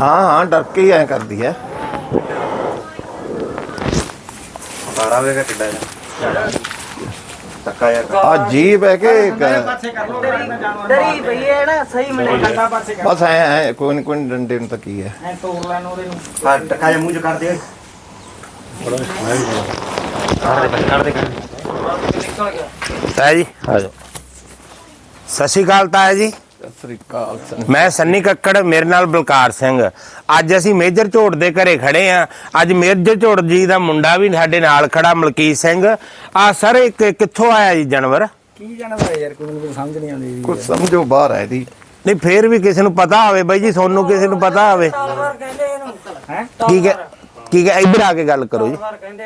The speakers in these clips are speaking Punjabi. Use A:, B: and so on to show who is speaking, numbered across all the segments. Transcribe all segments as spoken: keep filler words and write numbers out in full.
A: हाँ हाँ डर के ही ऐ कर दी है। अजीब है कि बस है कोई नहीं कोई डंडे में तक ही है।
B: ताया जी आ जाओ। सत श्री अकाल ताया जी। मैं सन्नी कक्कड़, मेरे नाल बलकार सिंह। अज असी मेजर झोट दे घरे खड़े हाँ। अज मेजर झोट जी का मुंडा भी साडे नाल खड़ा मलकीत सिंह। आ सर एक कित्थों आया जी जानवर?
C: की जानवर है यार, कोई समझ नहीं आती।
A: कुछ समझो बाहर है दी
B: नहीं फिर भी किसी नूं पता होवे बाई जी, सोनू किसी नूं पता होवे। ठीक है ठीक है, इधर आके गल करो जी।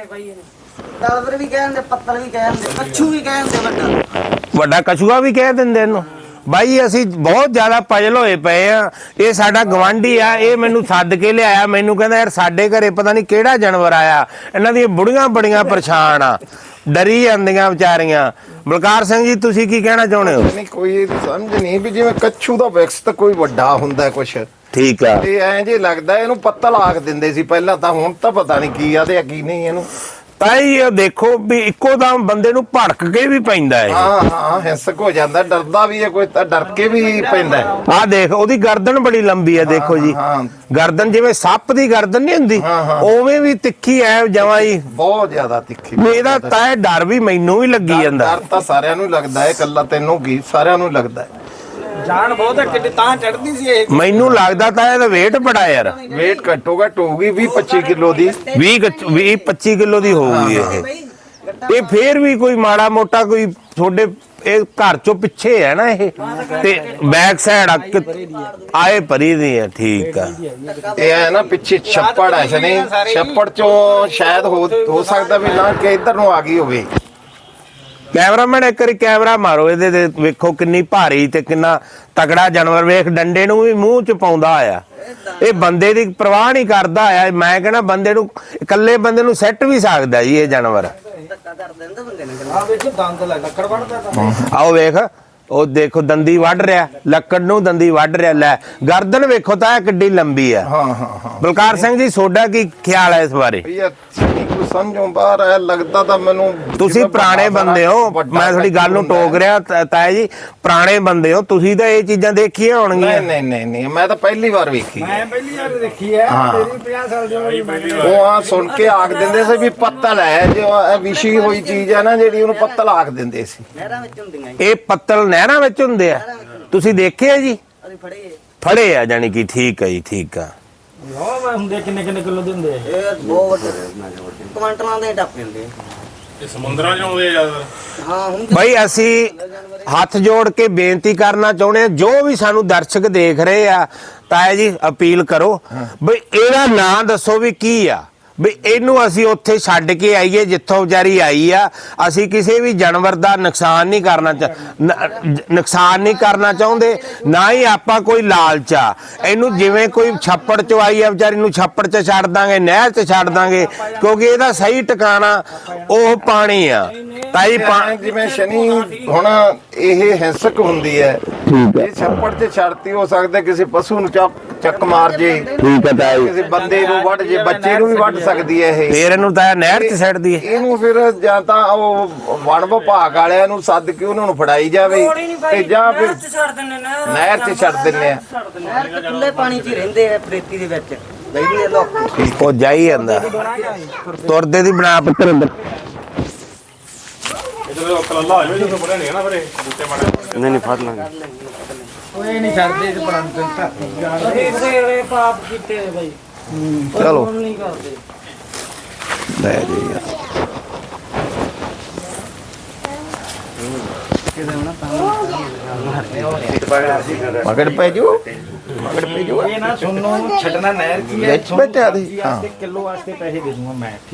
D: तालवर भी कहंदे, पत्तल भी कहंदे, कच्छू भी कहंदे, वड्डा
B: वड्डा कछुआ भी कह दिंदे इहनूं। बाई असी बहुत ज्यादा पजल होए पे आ। ये साडा गवांढी आ, ये मैनू सद के लिया। मैनू कहंदा यार साडे घरे पता नहीं किहड़ा जानवर आया। इन्हां दी बुढ़ियां बड़ियां परेशान आ, डरी जांदियां विचारियां। बलकार सिंह जी तुसीं की कहना चाहुंदे हो?
A: नहीं कोई समझ नहीं भी जिवें कच्छू दा विकस ਤਾਂ ਕੋਈ ਵੱਡਾ ਹੁੰਦਾ ਕੁਛ।
B: ठीक आ।
A: ਇਹ ਐਂ ਜੇ ਲੱਗਦਾ ਇਹਨੂੰ ਪੱਤਲ ਆਖ ਦਿੰਦੇ ਸੀ ਪਹਿਲਾਂ ਤਾਂ, ਹੁਣ ਤਾਂ ਪਤਾ ਨਹੀਂ ਕੀ ਆ ਤੇ ਕੀ ਨਹੀਂ ਇਹਨੂੰ।
B: ਤਾਈ ਇਹ ਦੇਖੋ ਵੀ ਇੱਕੋ ਦਮ ਬੰਦੇ ਨੂੰ ਭੜਕ ਕੇ ਵੀ ਪੈਂਦਾ ਹੈ।
A: ਹਾਂ ਹਾਂ ਹਿੰਸਕ ਹੋ ਜਾਂਦਾ, ਡਰਦਾ ਵੀ ਹੈ ਕੋਈ ਤਾਂ ਡਰ ਕੇ ਵੀ ਪੈਂਦਾ ਹੈ।
B: ਆਹ ਦੇਖ ਉਹਦੀ ਗਰਦਨ ਬੜੀ ਲੰਬੀ ਹੈ, ਦੇਖੋ ਜੀ ਗਰਦਨ ਜਿਵੇਂ ਸੱਪ ਦੀ ਗਰਦਨ ਨਹੀਂ ਹੁੰਦੀ ਉਵੇਂ ਵੀ ਤਿੱਖੀ ਐ ਜਮਾਂ ਜੀ,
A: ਬਹੁਤ ਜ਼ਿਆਦਾ ਤਿੱਖੀ।
B: ਇਹਦਾ ਤਾਂ ਡਰ ਵੀ ਮੈਨੂੰ ਵੀ ਲੱਗੀ ਜਾਂਦਾ।
A: ਡਰ ਤਾਂ ਸਾਰਿਆਂ ਨੂੰ ਲੱਗਦਾ ਹੈ, ਇਕੱਲਾ ਤੈਨੂੰ ਕੀ ਸਾਰਿਆਂ ਨੂੰ ਲੱਗਦਾ ਹੈ।
C: ਜਾਨ ਬਹੁਤ ਹੈ, ਕਿੱਡੀ ਤਾਂ ਚੜਦੀ ਸੀ ਇਹ।
B: ਮੈਨੂੰ ਲੱਗਦਾ ਤਾਂ ਇਹਦਾ weight ਬੜਾ ਯਾਰ।
A: weight ਘੱਟੋ ਘੱਟ ਹੋਊਗੀ ਵੀਹ ਪੱਚੀ ਕਿਲੋ ਦੀ,
B: ਵੀਹ ਪੱਚੀ ਕਿਲੋ ਦੀ ਹੋਊਗੀ ਇਹ। ਇਹ ਫੇਰ ਵੀ ਕੋਈ ਮਾੜਾ ਮੋਟਾ ਕੋਈ ਤੁਹਾਡੇ ਇਹ ਘਰ ਚੋਂ ਪਿੱਛੇ ਹੈ ਨਾ ਇਹ, ਤੇ ਬੈਕ ਸਾਈਡ ਆਏ ਭਰੀ ਦੀ ਹੈ। ਠੀਕ ਆ।
A: ਇਹ ਹੈ ਨਾ ਪਿੱਛੇ ਛੱਪੜ ਹੈ ਸਨੀ, ਛੱਪੜ ਚੋਂ ਸ਼ਾਇਦ ਹੋ ਹੋ ਸਕਦਾ ਵੀ ਨਾ ਕਿ ਇੱਧਰ ਨੂੰ ਆ ਗਈ ਹੋਵੇ।
B: कैमरामैन एक बारी कैमरा मारो ਇਹਦੇ ਤੇ ਵੇਖੋ ਕਿੰਨੀ ਭਾਰੀ ਤੇ ਕਿੰਨਾ ਤਗੜਾ ਜਾਨਵਰ। ਵੇਖ ਡੰਡੇ ਨੂੰ ਵੀ ਮੂੰਹ ਚ ਪਾਉਂਦਾ ਆਇਆ। ਇਹ ਬੰਦੇ ਦੀ ਪਰਵਾਹ ਨਹੀਂ ਕਰਦਾ ਆਇਆ। ਮੈਂ ਕਹਿੰਦਾ ਬੰਦੇ ਨੂੰ ਇਕੱਲੇ ਬੰਦੇ ਨੂੰ ਸੈੱਟ ਵੀ ਸਕਦਾ ਜੀ ਇਹ ਜਾਨਵਰ।
C: ਆ ਵੇਖੋ ਦੰਦ ਲੈ ਲੱਕੜ ਵੜਦਾ ਤਾਂ।
B: ਆਓ ਵੇਖ ਉਹ ਦੇਖੋ ਦੰਦੀ ਵੱਢ ਰਿਹਾ, ਲੱਕੜ ਨੂੰ ਦੰਦੀ ਵੱਢ ਰਿਹਾ। ਲੈ ਗਰਦਨ ਵੇਖੋ ਤਾਂ ਕਿੱਡੀ ਲੰਬੀ ਆ।
A: ਹਾਂ ਹਾਂ ਹਾਂ।
B: ਬਲਕਾਰ ਸਿੰਘ ਜੀ ਤੁਹਾਡਾ ਕੀ ਖਿਆਲ ਹੈ ਇਸ ਬਾਰੇ?
A: ਕੋਈ ਸਮਝੋਂ ਬਾਹਰ ਹੈ ਲੱਗਦਾ ਤਾਂ ਮੈਨੂੰ।
B: ਤੁਸੀਂ ਪੁਰਾਣੇ ਬੰਦੇ ਹੋ, ਮੈਂ ਤੁਹਾਡੀ ਗੱਲ ਨੂੰ ਟੋਕ ਰਿਹਾ ਤਾਇਆ ਜੀ। ਪੁਰਾਣੇ ਬੰਦੇ ਹੋ ਤੁਸੀਂ ਤਾਂ ਇਹ ਚੀਜ਼ਾਂ ਦੇਖੀਆਂ ਹੋਣਗੀਆਂ।
A: ਨਹੀਂ ਨਹੀਂ ਨਹੀਂ ਮੈਂ ਤਾਂ ਪਹਿਲੀ ਵਾਰ ਵੇਖੀ।
C: ਮੈਂ ਪਹਿਲੀ ਵਾਰ ਦੇਖੀ ਹੈ। ਤੇਰੀ ਪੰਜਾਹ ਸਾਲ ਦੀ ਉਮਰ।
A: ਉਹ ਆ ਸੁਣ ਕੇ ਆਖ ਦਿੰਦੇ ਸੀ ਵੀ ਪੱਤਲ ਹੈ, ਜੋ ਇਹ ਵਿਛੀ ਹੋਈ ਚੀਜ਼ ਹੈ ਨਾ ਜਿਹੜੀ, ਉਹਨੂੰ ਪੱਤਲ ਆਖ ਦਿੰਦੇ ਸੀ।
D: ਨਹਿਰਾਂ ਵਿੱਚ ਹੁੰਦੀਆਂ
B: ਇਹ ਪੱਤਲ ਨਹਿਰਾਂ ਵਿੱਚ ਹੁੰਦੇ ਆ, ਤੁਸੀਂ ਦੇਖੇ ਆ ਜੀ?
D: ਅਸੀਂ ਫੜੇ
B: ਫੜੇ ਆ ਜਾਨੀ ਕਿ। ਠੀਕ ਆ ਜੀ ਠੀਕ ਆ।
C: ਉਹ ਮੈਂ ਹੁੰਦੇ ਕਿੰਨੇ ਕਿੰਨੇ ਕਿਲੋ ਦੇ ਹੁੰਦੇ ਆ
D: ਇਹ ਬਹੁਤ ਕੁਆਂਟਲਾਂ ਦੇ ਟੱਪ ਜਾਂਦੇ
E: ਇਹ ਸਮੁੰਦਰਾਂ 'ਚ ਆਉਂਦੇ ਆ ਜ਼ਿਆਦਾ।
D: ਹਾਂ। ਹੁਣ
B: ਬਈ ਅਸੀਂ ਹੱਥ ਜੋੜ ਕੇ ਬੇਨਤੀ ਕਰਨਾ ਚਾਹੁੰਦੇ ਆ, ਜੋ ਵੀ ਸਾਨੂੰ ਦਰਸ਼ਕ ਦੇਖ ਰਹੇ ਆ, ਤਾਇਆ ਜੀ ਅਪੀਲ ਕਰੋ ਬਈ ਇਹਦਾ ਨਾਂ ਦੱਸੋ ਵੀ ਕੀ ਆ, ਵੀ ਇਹਨੂੰ ਅਸੀਂ ਉੱਥੇ ਛੱਡ ਕੇ ਆਈਏ ਜਿੱਥੋਂ ਵਿਚਾਰੀ ਆਈ ਆ। ਅਸੀਂ ਕਿਸੇ ਵੀ ਜਾਨਵਰ ਦਾ ਨੁਕਸਾਨ ਨਹੀਂ ਕਰਨਾ ਨੁਕਸਾਨ ਨਹੀਂ ਕਰਨਾ ਚਾਹੁੰਦੇ, ਨਾ ਹੀ ਆਪਾਂ ਕੋਈ ਲਾਲਚ ਆ। ਇਹਨੂੰ ਜਿਵੇਂ ਕੋਈ ਛੱਪੜ ਚੋਂ ਆਈ ਆ ਵਿਚਾਰੀ ਨੂੰ ਛੱਪੜ 'ਚ ਛੱਡ ਦਾਂਗੇ, ਨਹਿਰ 'ਚ ਛੱਡ ਦਾਂਗੇ, ਕਿਉਂਕਿ ਇਹਦਾ ਸਹੀ ਟਿਕਾਣਾ ਉਹ ਪਾਣੀ ਆ। ਤਾਈ
A: ਜਿਵੇਂ ਸ਼ਨੀ ਹੁਣ ਇਹ ਹਿੰਸਕ ਹੁੰਦੀ ਹੈ, ਇਹ ਛੱਪੜ 'ਚ ਛੱਡਤੀ ਹੋ ਸਕਦਾ ਕਿਸੇ ਪਸ਼ੂ ਨੂੰ ਚੱਕ ਮਾਰ ਜੇ,
B: ਠੀਕ ਹੈ ਤਾਈ,
A: ਕਿਸੇ ਬੰਦੇ ਨੂੰ ਵੱਢ ਜੇ, ਬੱਚੇ ਨੂੰ ਵੀ ਵੱਢ ਸਕਦੀ ਹੈ ਇਹ।
B: ਫੇਰ ਇਹਨੂੰ ਤਾਂ ਨਹਿਰ 'ਚ ਛੱਡਦੀ ਹੈ।
A: ਇਹਨੂੰ ਫਿਰ ਜਾਂ ਤਾਂ ਉਹ ਵਣ ਵਿਭਾਗ ਵਾਲਿਆਂ ਨੂੰ ਸੱਦ ਕੇ ਉਹਨਾਂ ਨੂੰ ਫੜਾਈ ਜਾਵੇ ਤੇ ਜਾਂ ਫਿਰ ਨਹਿਰ 'ਚ ਛੱਡ ਦਿੰਦੇ ਆ।
D: ਨਹਿਰ ਚ ਖੁੱਲੇ ਪਾਣੀ 'ਚ ਹੀ ਰਹਿੰਦੇ ਆ, ਪ੍ਰੇਤੀ ਦੇ ਵਿੱਚ ਬੈਠੀ ਦੇ ਲੋਕ।
B: ਉਹ ਜਾਈ ਜਾਂਦਾ ਤੁਰਦੇ ਦੀ ਬਣਾ ਪੁੱਤਰ ਅੰਦਰ।
E: ਜਦੋਂ ਕਲੱਲਾ ਹੋ ਜਾਵੇ ਜਦੋਂ ਬੜਿਆ ਨਹੀਂ ਨਾ ਫਿਰ ਬੂਟੇ ਮਾੜੇ।
B: ਨਹੀਂ ਨਹੀਂ ਫੜ ਲਾਂਗੇ।
C: ਓਏ ਨਹੀਂ ਛੱਡਦੇ ਤੇ ਪਰਾਂ ਤੇ ਧਰਤੀ ਜਾਣ
D: ਇਹ ਪਾਪ ਕੀਤੇ ਬਾਈ।
B: ਚਲੋ
D: ਨਹੀਂ ਕਰਦੇ
B: ਲੈ ਜੀ ਯਾਰ।
A: ਮਗੜ ਪੈ ਜੂ ਮਗੜ ਪੈ ਜੂ।
C: ਇਹ ਨਾ ਸੁਣੋ ਛੱਡਣਾ ਨਹਿਰ ਕੀ ਹੈ।
A: ਵਿੱਚ ਬੈਠਿਆ ਦੇ।
C: ਕਿਲੋ ਵਾਸਤੇ ਪੈਸੇ ਦੇ ਦੂੰਗਾ ਮੈਂ।